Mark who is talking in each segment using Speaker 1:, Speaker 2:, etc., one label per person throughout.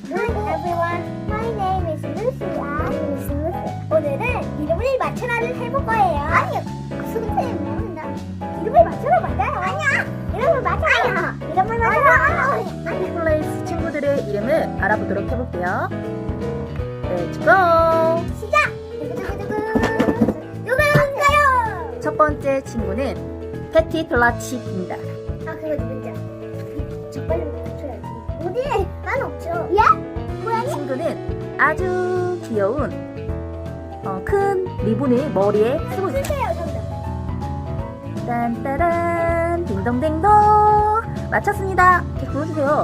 Speaker 1: Hi everyone, my name is Lucy. I'm Miss Lucy. 오늘은 이름을 맞춰라를 해볼 거예요. 아니요, 선생님 모른다. 이름을 맞춰라 맞아요. 아니야, 이름을 맞춰라. 이름을 맞춰라.
Speaker 2: 해피플레이스 친구들의 이름을 알아보도록 해볼게요. Let's go!
Speaker 1: 시작. 누구인가요?
Speaker 2: 첫 번째 친구는 패티 플라치입니다.
Speaker 1: 아, 그거 누군지. 저 빨리 맞춰야지. 어디? 난 없죠. 예? 고양이?
Speaker 2: 친구는 아주 귀여운 큰 리본을 머리에 쓰고 있어요.
Speaker 1: 쓰세요, 정답.
Speaker 2: 딴따란 딩동댕동 맞췄습니다. 이렇게 불러주세요.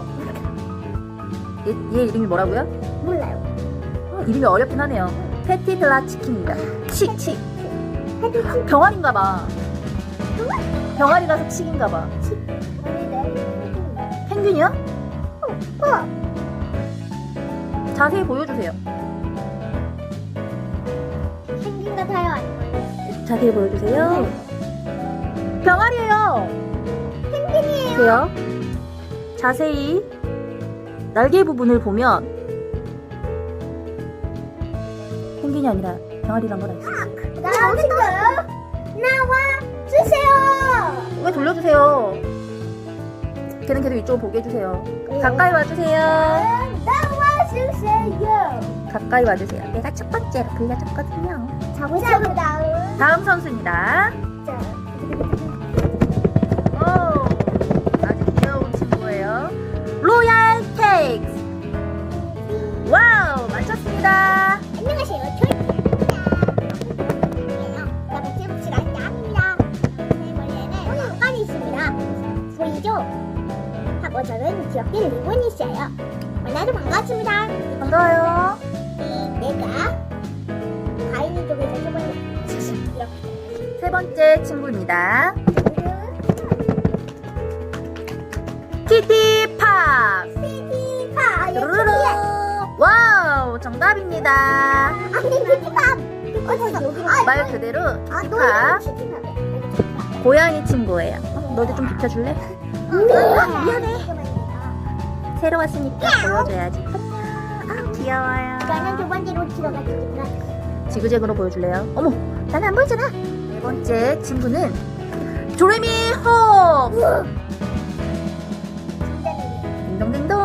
Speaker 2: 얘 이름이 뭐라고요?
Speaker 1: 몰라요.
Speaker 2: 이름이 어렵긴 하네요. 패티 플라치입니다. 칙칙.
Speaker 1: 헤드치?
Speaker 2: 병아리인가봐. 병아리라서 칙인가봐.
Speaker 1: 아닌데.
Speaker 2: 펭귄이요?
Speaker 1: 어.
Speaker 2: 자세히 보여주세요.
Speaker 1: 펭귄 같아요, 아니면?
Speaker 2: 자세히 보여주세요. 병아리예요.
Speaker 1: 펭귄이에요.
Speaker 2: 보세요. 자세히 날개 부분을 보면 펭귄이 아니라 병아리란 걸 알 수 있어요.
Speaker 1: 나오신가요? 나와 주세요.
Speaker 2: 왜 돌려주세요? 걔는 계속 이쪽으로 보게 해주세요. 가까이 와주세요.
Speaker 1: 나와 주세요.
Speaker 2: 가까이 와주세요. 내가 첫 번째로 불려줬거든요.
Speaker 1: 자보자 다음.
Speaker 2: 다음 선수입니다.
Speaker 1: 자,
Speaker 2: 오, 아주 귀여운 친구예요. 로얄 케이크. 와우, 맞췄습니다.
Speaker 1: 안녕하세요. 저희예요. 나복지복지가 짱입니다. 제 머리에는 왕관이 있습니다. 보이죠? 하고 저는 귀엽게 리본이 있어요. 만나서 반갑습니다.
Speaker 2: 반가워요.
Speaker 1: 내가 가인이 쪽에서 세 번째 이렇게.
Speaker 2: 세 번째 친구입니다. 키티팝.
Speaker 1: 피티파.
Speaker 2: 뚜루루루. 와우, 정답입니다.
Speaker 1: 아니 피티파. 어디서 여기로?
Speaker 2: 말 그대로
Speaker 1: 아,
Speaker 2: 키티팝.
Speaker 1: 피티파.
Speaker 2: 고양이 친구예요. 너도 좀 비켜줄래?
Speaker 1: 미안해.
Speaker 2: 새로 왔으니까 보여줘야지. 아, 귀여워요.
Speaker 1: 나는 두 번째로 들어가겠습니다.
Speaker 2: 지그재그로 보여줄래요? 어머, 나는 안 보이잖아. 네 번째 친구는 조레미 홉. 딩동댕동.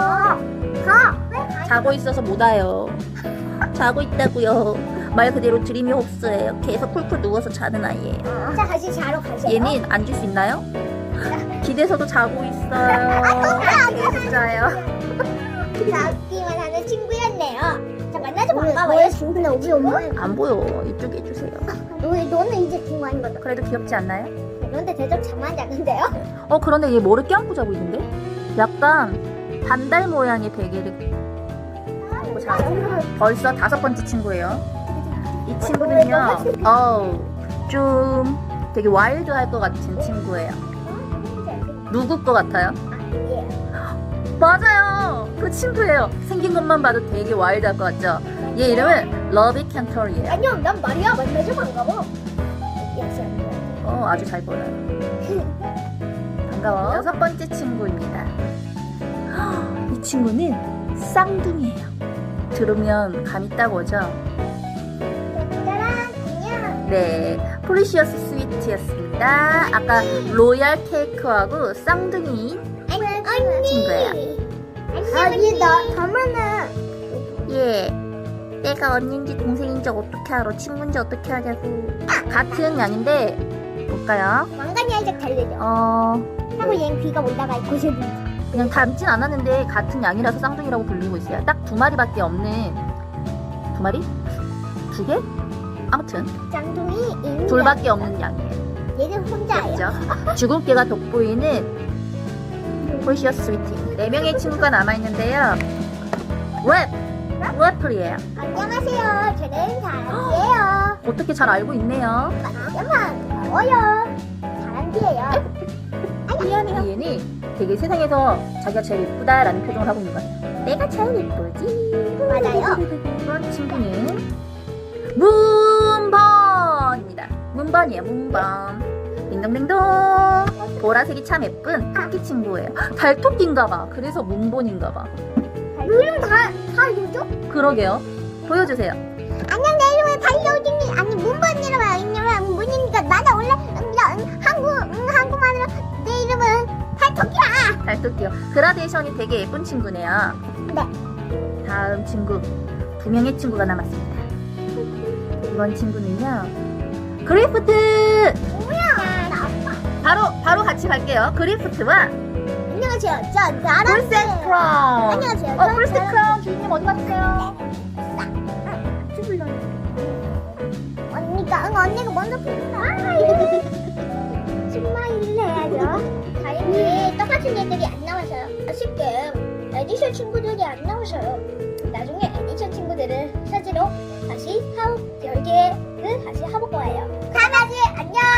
Speaker 2: 자고 있어서 못 와요. 자고 있다고요. 말 그대로 드리미 홉스예요. 계속 쿨쿨 누워서 자는 아이예요.
Speaker 1: 자, 다시 자러 가세요.
Speaker 2: 얘는 앉을 수 있나요? 기대서도 자고 있어요. 계속 자요.
Speaker 1: 자기만 하는 친구였네요. 자, 만나서 반가워요. 친구는 우리 엄마.
Speaker 2: 안 보여. 이쪽에 해주세요.
Speaker 1: 너는 이제 친구 아닌 거다.
Speaker 2: 그래도 귀엽지 않나요?
Speaker 1: 그런데 대접 장난 작은데요?
Speaker 2: 그런데 얘 뭐를 껴안고 자고 있는데? 약간 반달 모양의 베개를 하고 자요. 벌써 다섯 번째 친구예요. 이 친구는요, 좀 되게 와일드할 것 같은 친구예요. 누구 것 같아요? 맞아요! 그 친구예요. 생긴 것만 봐도 되게 와일드할 것 같죠? 얘 이름은 러비 캔터리예요.
Speaker 1: 아니요, 난 말이야. 만나서 반가워.
Speaker 2: 아주 잘 보여요. 반가워. 여섯 번째 친구입니다. 이 친구는 쌍둥이에요. 들으면 감이 딱 오죠?
Speaker 1: 짜란, 안녕.
Speaker 2: 네, 프리시어스 스위트였습니다. 아까 로얄 케이크하고 쌍둥이인 친구예요.
Speaker 1: 아니, 나 가면은.
Speaker 2: 예, 내가 언니인지 동생인지 어떻게 알아? 친구인지 어떻게 하냐고. 같은 양인데 볼까요?
Speaker 1: 왕관이 살짝 달리죠. 하고 얘는 귀가 올라가 있고
Speaker 2: 그냥 닮진 않았는데 같은 양이라서 쌍둥이라고 불리고 있어요. 딱 두 마리밖에 없는. 두 마리? 두 개? 아무튼
Speaker 1: 쌍둥이 인형.
Speaker 2: 둘밖에 없는 양이에요.
Speaker 1: 얘는 혼자예요.
Speaker 2: 그렇죠? 주근깨가 돋보이는 프리시어스 스위트. 네 명의 친구가 남아있는데요. 랩플이에요.
Speaker 1: 안녕하세요. 저는 다람쥐예요.
Speaker 2: 어떻게 잘 알고 있네요.
Speaker 1: 반가워요. 다람쥐예요.
Speaker 2: 미안해요. 얘는 되게 세상에서 자기가 제일 예쁘다라는 표정을 하고 있는 것 같아요. 내가 제일 예쁘지.
Speaker 1: 맞아요.
Speaker 2: 그런 친구는 문번입니다. 문번이에요. 문번. 딩동댕동. 보라색이 참 예쁜 토끼 친구예요. 달토끼인가봐. 그래서 문번인가봐.
Speaker 1: 이름 다 알려줘?
Speaker 2: 그러게요. 보여주세요.
Speaker 1: 안녕, 내 이름은 달려오진이. 아니, 문번이라고 이름은 문이니까 나는 원래 한국말로 내 이름은 달토끼야.
Speaker 2: 달토끼요. 그라데이션이 되게 예쁜 친구네요.
Speaker 1: 네.
Speaker 2: 다음 친구 2명의 친구가 남았습니다. 이번 친구는요. 그리프트.
Speaker 1: 뭐야? 나 아빠.
Speaker 2: 바로 같이 갈게요. 그리프트와
Speaker 1: 안녕하세요. 전
Speaker 2: 풀셋 크라운.
Speaker 1: 안녕하세요.
Speaker 2: 풀셋 크라운 주인님 어디 가셨어요?
Speaker 1: 언니가 먼저 풀었다. 스마일 해야죠. 다행히 똑같은 애들이 안 나와서요. 아쉽게 에디션 친구들이 안 나오셔요. 나중에 에디션 친구들을 사지로 다시 10개를 다시 해볼 거예요. 강아지 안녕.